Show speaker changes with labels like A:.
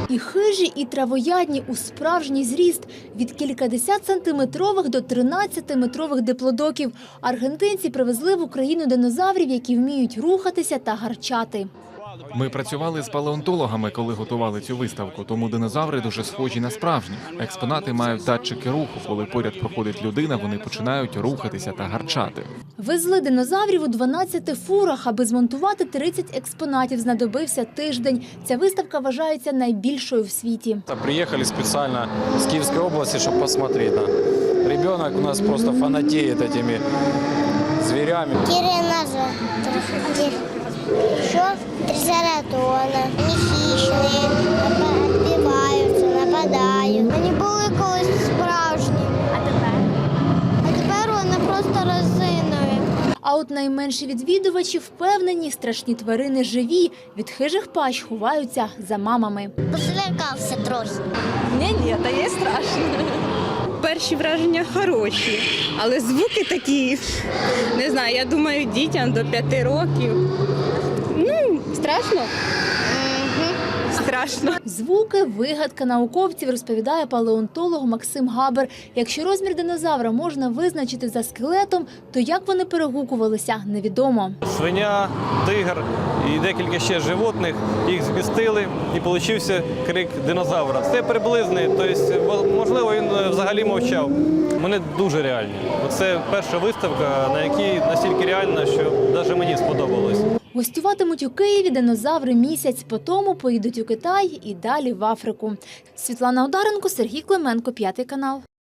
A: І хижі, і травоядні у справжній зріст – від кількадесят сантиметрових до 13-метрових диплодоків. Аргентинці привезли в Україну динозаврів, які вміють рухатися та гарчати.
B: Ми працювали з палеонтологами, коли готували цю виставку, тому динозаври дуже схожі на справжніх. Експонати мають датчики руху. Коли поряд проходить людина, вони починають рухатися та гарчати.
A: Везли динозаврів у 12 фурах. Аби змонтувати 30 експонатів, знадобився тиждень. Ця виставка вважається найбільшою в світі.
C: Приехали специально с Киевской области, чтобы посмотреть. Ребенок у нас просто фанатеет этими зверями.
D: Тиранозавр. Еще трицератоны. Они хищные, отбиваются, нападают. Вони були колись справжні. А тепер вони просто резинові.
A: А от найменші відвідувачі впевнені, страшні тварини живі. Від хижих пащ ховаються за мамами.
D: Позлякався трохи.
E: Ні, та є страшно. Перші враження хороші, але звуки такі, не знаю, я думаю, дітям до 5 років. Страшно? Страшно.
A: Звуки – вигадка науковців, розповідає палеонтолог Максим Габер. Якщо розмір динозавра можна визначити за скелетом, то як вони перегукувалися – невідомо.
F: Свиня, тигр і декілька ще животних, їх змістили і получився крик динозавра. Це приблизний, тобто, можливо, він взагалі мовчав. Вони дуже реальні. Це перша виставка, на якій настільки реальна, що навіть мені сподобалось.
A: Гостюватимуть у Києві динозаври місяць, потому поїдуть у Китай і далі в Африку. Світлана Одаренко, Сергій Клименко, 5 канал.